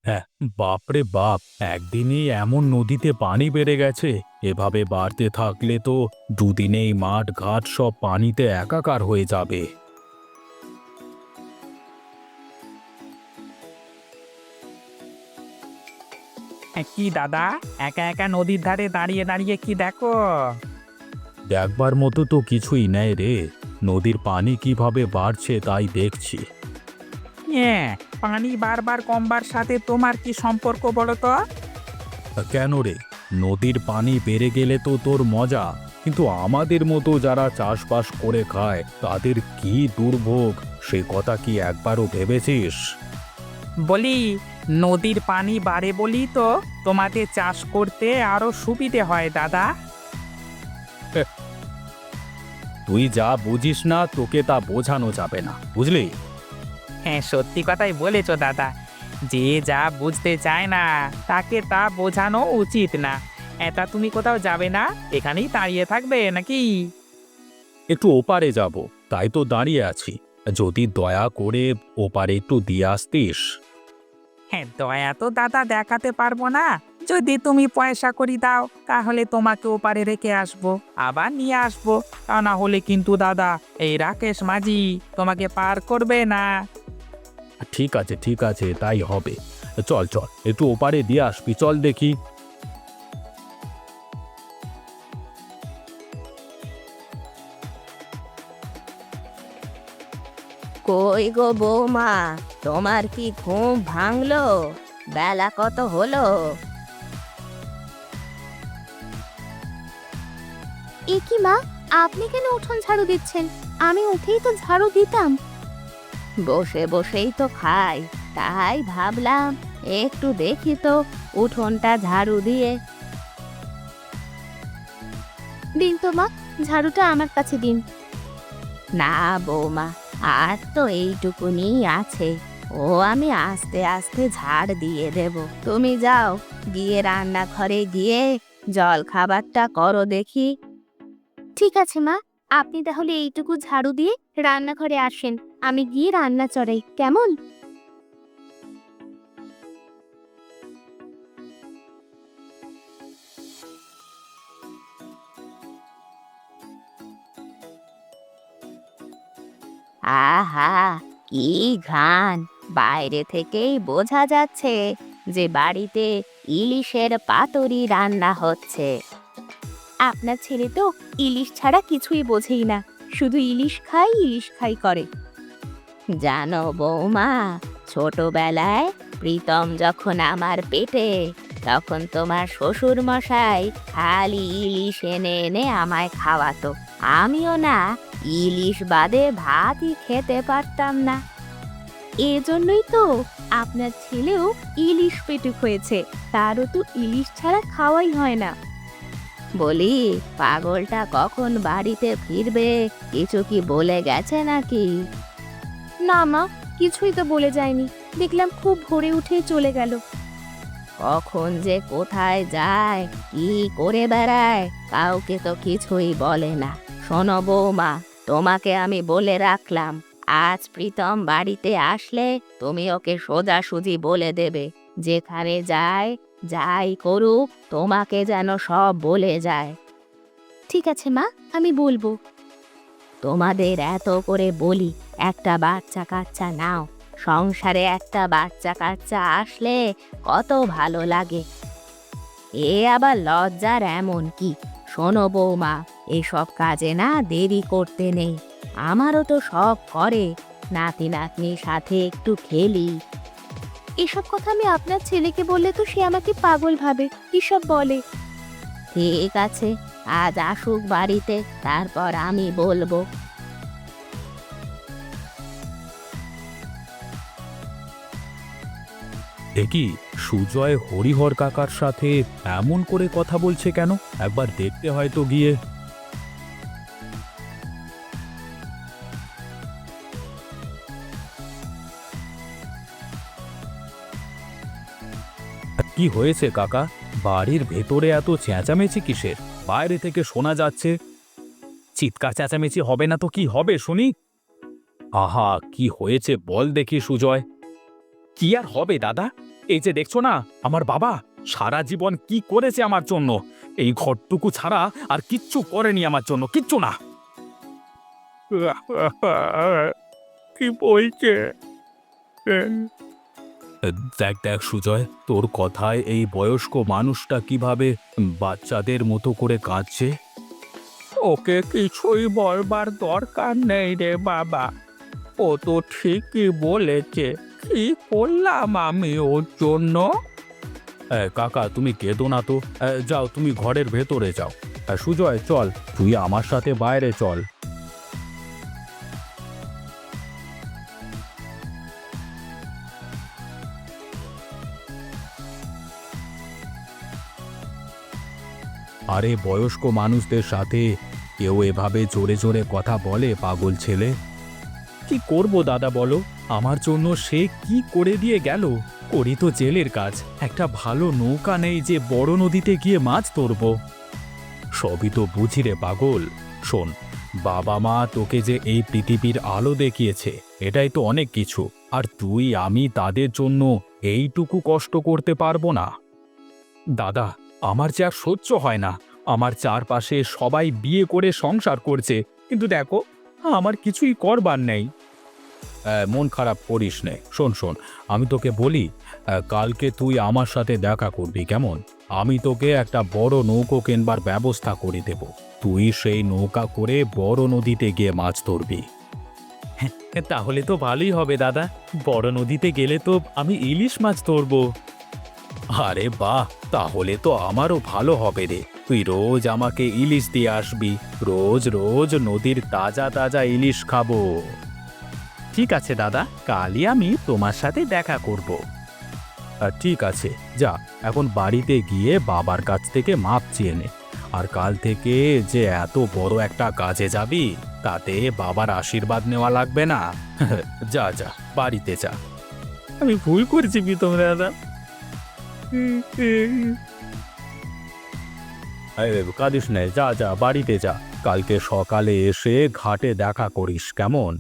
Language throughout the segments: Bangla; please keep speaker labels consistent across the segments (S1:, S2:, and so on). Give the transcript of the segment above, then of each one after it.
S1: হ্যাঁ, বাপরে বাপ! একদিনেই এমন নদীতে পানি বেড়ে গেছে। এভাবে বাড়তে থাকলে তো দুদিনেই মাঠ ঘাট সব পানিতে একাকার হয়ে যাবে।
S2: কি দাদা, একা একা নদীর ধারে দাঁড়িয়ে দাঁড়িয়ে কি দেখো?
S1: দেখবার মতো তো কিছুই নেই রে। নদীর পানি কিভাবে বাড়ছে তাই দেখছি।
S2: হ্যাঁ, পানি বারবার কমবার সাথে তোমার কি সম্পর্ক বলো তো?
S1: কেন রে? নদীর পানি বেড়ে গেলে তো তোর মজা, কিন্তু আমাদের মতো যারা চাষবাস করে খায় তাদের কি দুর্ভোগ, সে কথা কি একবারও ভেবেছিস?
S2: বলি, নদীর পানি বাড়ে বলি তো তোমাদের চাষ করতে আরো সুবিধে হয় দাদা।
S1: তুই যা বুঝিস না তোকে তা বোঝানো যাবে না, বুঝলি?
S2: হ্যাঁ, সত্যি কথাই বলেছো দাদা। যে যা বুঝতে চায় না তাকে তা বোঝানো উচিত না। এটা তুমি কোথাও যাবে না, এখানেই দাঁড়িয়ে থাকবে নাকি?
S1: একটু ওপারে যাব, তাই তো দাঁড়িয়ে আছি। যদি দয়া করে ওপারে একটু দিয়ে আসতিস।
S2: হ্যাঁ, দয়া তো দাদা দেখাতে পারবো না। যদি তুমি পয়সা করি দাও তাহলে তোমাকে ওপারে রেখে আসবো, আবার নিয়ে আসবো। তা না হলে কিন্তু দাদা, এই রাকেশ মাঝি তোমাকে পার করবে না।
S1: ঠিক আছে ঠিক আছে, তাই হবে। চল চল, একটু ওপারে দিয়ে আসবি, চল দেখি।
S3: কই গো বৌমা, তোমার কি ঘুম ভাঙলো? বেলা কত হলো?
S4: এ কি মা, আপনি কেন উঠোন ঝাড়ু দিচ্ছেন? আমি উঠেই তো ঝাড়ু দিতাম।
S3: বসে বসেই তো খাই, তাই ভাবলাম একটু দেখি তো উঠোনটা ঝাড়ু দিয়ে।
S4: দিন তো মা, ঝাড়ুটা আমার কাছে দিন।
S3: না বৌমা, আর তো এইটুকুনি আছে, ও আমি আস্তে আস্তে ঝাড় দিয়ে দেব। তুমি যাও, গিয়ে রান্নাঘরে গিয়ে জল খাবারটা করো দেখি।
S4: ঠিক আছে মা, আপনি তাহলে এইটুকু ঝাড়ু দিয়ে রান্নাঘরে আসেন, আমি গিয়ে রান্না চড়াই, কেমন?
S3: আহা, কি ঘ্রাণ! বাইরে থেকেই বোঝা যাচ্ছে যে বাড়িতে ইলিশের পাতুরি রান্না হচ্ছে।
S4: আপনার ছেলে তো ইলিশ ছাড়া কিছুই বোঝেই না, শুধু ইলিশ খাই করে।
S3: জানো বৌমা, ছোটবেলায় প্রীতম যখন আমার পেটে, তখন তোমার শ্বশুর মশাই খালি ইলিশ এনে এনে আমায় খাওয়াতো। আমিও না ইলিশ বাদে ভাতই খেতে পারতাম না।
S4: এজন্যই তো আপনার ছেলেও ইলিশ পেটুক হয়েছে, তারও তো ইলিশ ছাড়া খাওয়াই হয় না।
S3: বলি, পাগলটা কখন বাড়িতে ফিরবে, কিছু কি বলে গেছে নাকি?
S4: না মা, কিছুই তো বলে যায়নি, দেখলাম খুব ভোরে উঠে চলে গেল।
S3: কখন যে কোথায় যায়, কি করে বেড়ায়, কাউকে তো কিছুই বলে না। শোনো বৌমা, তোমাকে আমি বলে রাখলাম, আজ প্রীতম বাড়িতে আসলে তুমি ওকে সোজাসুজি বলে দেবে, যেখানে যায় যাই করুক তোমাকে যেন সব বলে যায়।
S4: ঠিক আছে মা, আমি বলবো।
S3: তোমাদের এত করে বলি, একটা বাচ্চা কাচ্চা নাও, সংসারে একটা বাচ্চা কাচ্চা আসলে কত ভালো লাগে। এ আবার লজ্জার এমন কি? শোনো বৌমা, এসব কাজে না দেরি করতে নেই। আমারও তো শখ করে নাতি নাতনির সাথে একটু খেলি।
S4: এসব কথা আমি আপনার ছেলেকে বললে তো সে আমাকে পাগল ভাবে, কিসব বলে।
S3: ঠিক আছে, আজ আসুক বাড়িতে, তারপর আমি বলবো।
S1: দেখি, সুজয় হরিহর কাকার সাথে এমন করে কথা বলছে কেন? একবার দেখতে হয়তো গিয়ে। কি হয়েছে কাকা? বাড়ির ভেতরে এত চেঁচামেচি কিসের? বাইরে থেকে শোনা যাচ্ছে। চিৎকার চেঁচামেচি হবে না তো কি হবে শুনি? আহা, কি হয়েছে বল দেখি সুজয়। কি আর হবে দাদা, এই যে দেখছো না আমার বাবা সারা জীবন কি করেছে আমার জন্য, এই ঘরটুকু ছাড়া আর কিচ্ছু করেনি আমার জন্য, কিচ্ছু না। কি বলছে? দেখ দেখ সুজয়, তোর কথায় এই বয়স্ক মানুষটা কিভাবে বাচ্চাদের মতো করে কাঁদছে।
S2: ওকে কিছুই বলবার দরকার নেই রে বাবা, ও তো ঠিকই বলেছে। কি করলাম আমি ওর জন্য?
S1: কাকা তুমি কেঁদো না তো, যাও তুমি ঘরের ভেতরে যাও। সুজয় চল, তুই আমার সাথে বাইরে চল। আরে বয়স্ক মানুষদের সাথে কেউ এভাবে জোরে জোরে কথা বলে পাগল ছেলে? কি করব দাদা বলো, আমার জন্য সে কি করে দিয়ে গেল। করি তো জেলের কাজ, একটা ভালো নৌকা নেই যে বড় নদীতে গিয়ে মাছ ধরব। সবই তো বুঝি রে পাগল। শোন, বাবা মা তোকে যে এই পৃথিবীর আলো দেখিয়েছে এটাই তো অনেক কিছু, আর তুই আমি তাদের জন্য এইটুকু কষ্ট করতে পারবো না? দাদা আমার যে আর সহ্য হয় না, আমার চারপাশে সবাই বিয়ে করে সংসার করছে, কিন্তু দেখো আমার কিছুই করবার নেই। মন খারাপ করিস নে, শোন শোন আমি তোকে বলি, কালকে তুই আমার সাথে দেখা করবি কেমন? আমি তোকে একটা বড় নৌকো কেনবার ব্যবস্থা করে দেব, তুই সেই নৌকা করে বড় নদীতে গিয়ে মাছ ধরবি। তাহলে তো ভালোই হবে দাদা, বড় নদীতে গেলে তো আমি ইলিশ মাছ ধরবো। আরে বাহ, তাহলে তো আমারও ভালো হবে রে, তুই রোজ আমাকে ইলিশ দিয়ে আসবি, রোজ রোজ নদীর তাজা তাজা ইলিশ খাবো। ঠিক আছে দাদা, কালই আমি তোমার সাথে দেখা করব। ঠিক আছে, যা এখন বাড়িতে গিয়ে বাবার কাছ থেকে মাপ চেয়ে নে, আর কাল থেকে যে এত বড় একটা কাজে যাবি তাতে বাবার আশীর্বাদ নেওয়া লাগবে না। যা যা বাড়িতে যা।
S2: আমি ভুল করেছি প্রীতম দাদা।
S1: কাঁদিস নে, যা যা বাড়িতে যা, কালকে সকালে এসে ঘাটে দেখা করিস কেমন?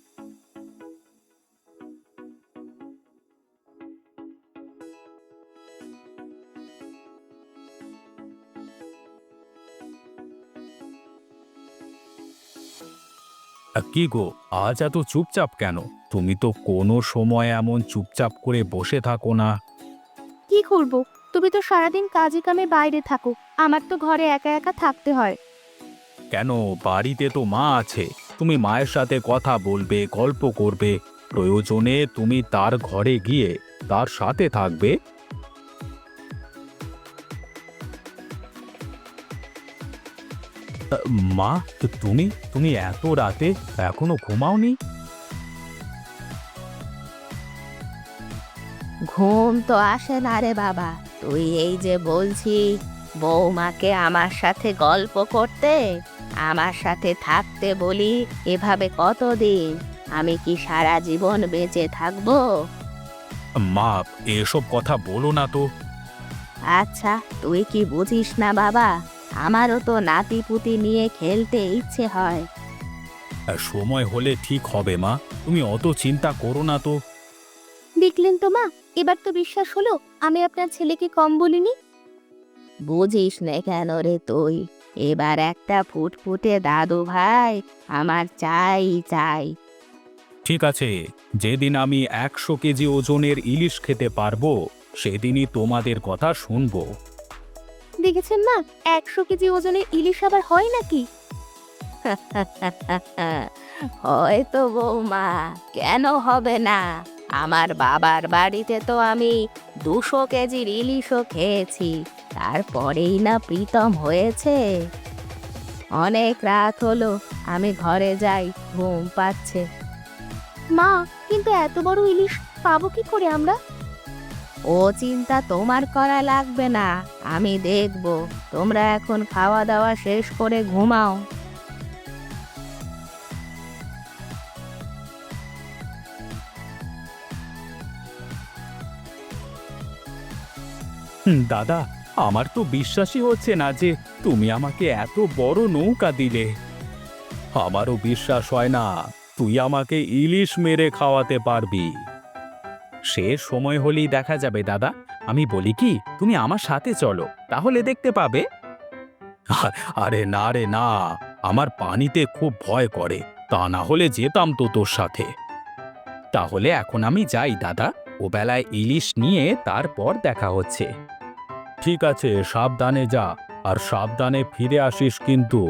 S1: কি গো, আজ এত চুপচাপ কেন? তুমি তো কোনো সময় এমন চুপচাপ করে বসে থাকো না।
S4: কি করব, তুমি তো সারাদিন কাজে কামে বাইরে থাকো, আমার তো ঘরে একা একা থাকতে হয়।
S1: কেন, বাড়িতে তো মা আছে, তুমি মায়ের সাথে কথা বলবে, গল্প করবে, প্রয়োজনে তুমি তার ঘরে গিয়ে তার সাথে থাকবে। মা, তুমি তুমি এত রাতে এখনো ঘুমাওনি?
S3: ঘুম তো আসে না রে বাবা, তুই এই যে বলছি বৌমাকে আমার সাথে গল্প করতে, আমার সাথে থাকতে বলি, এভাবে কতদিন? আমি কি সারা জীবন বেঁচে থাকবো?
S1: মা, এসব কথা বলো না তো।
S3: আচ্ছা, তুই কি বুঝিস না বাবা, আমারও তো নাতি পুতি নিয়ে খেলতে ইচ্ছে হয়।
S1: সময় হলে ঠিক হবে মা, তুমি অত চিন্তা করো না তো।
S4: দেখলেন তো মা, এবার তো বিশ্বাস হলো আমি আপনার ছেলেকে কম বলিনি।
S3: বুঝিস নে কেন রে তুই? এবার একটা ফুটফুটে দাদু ভাই আমার চাই চাই।
S1: ঠিক আছে, যেদিন আমি 100 কেজি ওজনের ইলিশ খেতে পারবো সেদিনই তোমাদের কথা শুনবো।
S4: দেখেছেন মা, 100 কেজি ওজনের ইলিশ আবার হয় নাকি?
S3: হয়তো বৌমা, কেন হবে না? আমার বাবার বাড়িতে তো আমি 200 কেজির ইলিশও খেয়েছি, তারপরেই না প্রীতম হয়েছে। অনেক রাত হলো, আমি ঘরে যাই, ঘুম পাচ্ছে।
S4: মা, কিন্তু এত বড় ইলিশ পাবো কি করে আমরা?
S3: ও চিন্তা তোমার করা লাগবে না, আমি দেখব। তোমরা এখন খাওয়া দাওয়া শেষ করে ঘুমাও।
S1: দাদা, আমার তো বিশ্বাসই হচ্ছে না যে তুমি আমাকে এত বড় নৌকা দিলে। আমারও বিশ্বাস হয় না তুই আমাকে ইলিশ মেরে খাওয়াতে পারবি। সে সময় হলেই দেখা যাবে দাদা। আমি বলি কি, তুমি আমার সাথে চলো, তাহলে দেখতে পাবে। আরে না রে না, আমার পানিতে খুব ভয় করে, তা না হলে যেতাম তো তোর সাথে। তাহলে এখন আমি যাই দাদা, ও বেলায় ইলিশ নিয়ে তারপর দেখা হচ্ছে। ঠিক আছে, সাবধানে যা, আর সাবধানে ফিরে আসিস কিন্তু।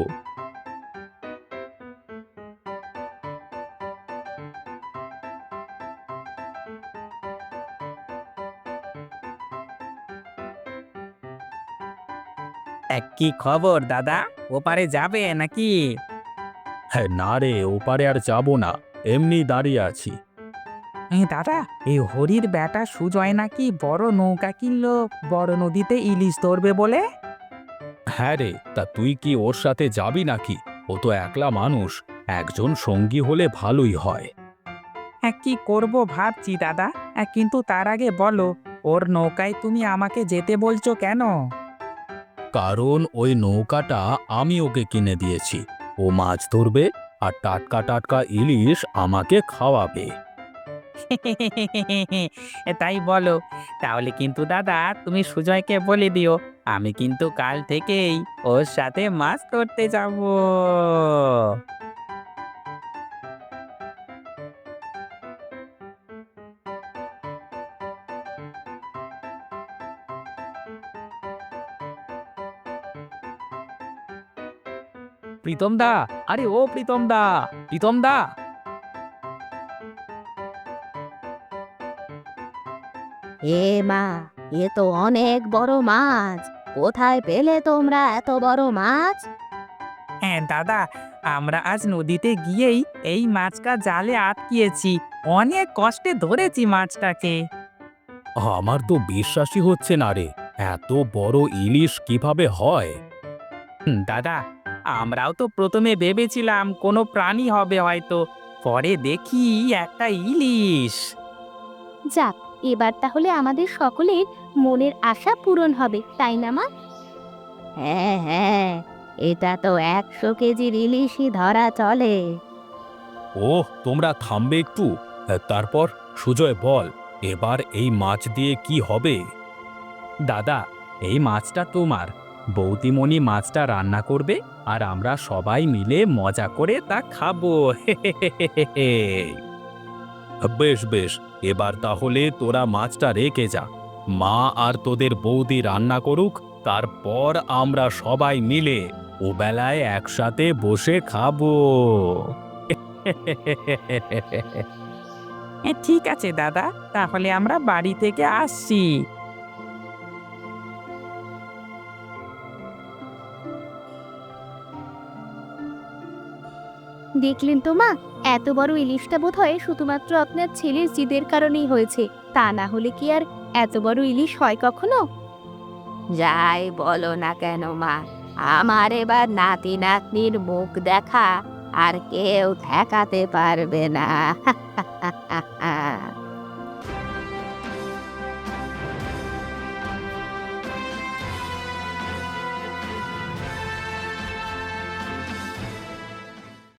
S2: কি খবর দাদা, ওপারে যাবে নাকি?
S1: হ্যাঁ না রে, ওপারে আর যাব না, এমনি দাঁড়িয়ে আছি।
S2: দাদা, এই হরির বেটা সুজয় নাকি বড় নৌকা কিনলো বড় নদীতে ইলিশ ধরবে বলে।
S1: হ্যাঁ রে, তা তুই কি ওর সাথে যাবি নাকি? ও তো একলা মানুষ, একজন সঙ্গী হলে ভালোই হয়।
S2: কি করব ভাবছি দাদা, কিন্তু তার আগে বলো, ওর নৌকায় তুমি আমাকে যেতে বলছো কেন?
S1: কারণ ওই নৌকাটা আমি ওকে কিনে দিয়েছি। ও মাছ ধরবে আর টাটকা টাটকা ইলিশ আমাকে খাওয়াবে।
S2: তাই বলো, তাহলে কিন্তু দাদা তুমি সুজয়কে বলে দিও, আমি কিন্তু কাল থেকেই ওর সাথে মাছ ধরতে যাব। প্রীতম দা, আরে ও প্রীতম দা, প্রীতম দা।
S3: এ মা, এ তো অনেক বড় মাছ। কোথায় পেলে তোমরা এত বড় মাছ?
S2: দাদা, আমরা আজ নদীতে গিয়েই এই মাছটা জালে আটকিয়েছি, অনেক কষ্টে ধরেছি মাছটাকে।
S1: আমার তো বিশ্বাসই হচ্ছে না রে, এত বড় ইলিশ কিভাবে হয়?
S2: দাদা, আমরাও তো প্রথমে ভেবেছিলাম কোনো প্রাণী হবে হয়তো, পরে দেখি একটা ইলিশ।
S4: যাক, এবার তাহলে আমাদের সকলের মনের আশা পূরণ হবে, তাই না মা?
S3: হ্যাঁ হ্যাঁ, এটা তো 100 কেজির ইলিশই ধরা চলে।
S1: ওহ, তোমরা থামবে একটু। তারপর সুজয় বল, এবার এই মাছ দিয়ে কি হবে? দাদা, এই মাছটা তোমার। বৌদিমণি মাছটা রান্না করবে, আর আমরা সবাই মিলে মজা করে তা খাবো। বেশ বেশ, এবার তাহলে তোরা মাছটা রেখে যা, মা আর তোদের বৌদি রান্না করুক, তারপর আমরা সবাই মিলে ও বেলায় একসাথে বসে খাবো।
S2: ঠিক আছে দাদা, তাহলে আমরা বাড়ি থেকে আসছি।
S4: দেখলেন তো মা, এত বড় ইলিশটা বোধহয় শুধুমাত্র আপনার ছেলের জিদের কারণেই হয়েছে, তা না হলে কি আর এত বড় ইলিশ হয় কখনো?
S3: যাই বলো না কেন মা, আমার এবার নাতি নাতনির মুখ দেখা আর কেউ ঠেকাতে পারবে না।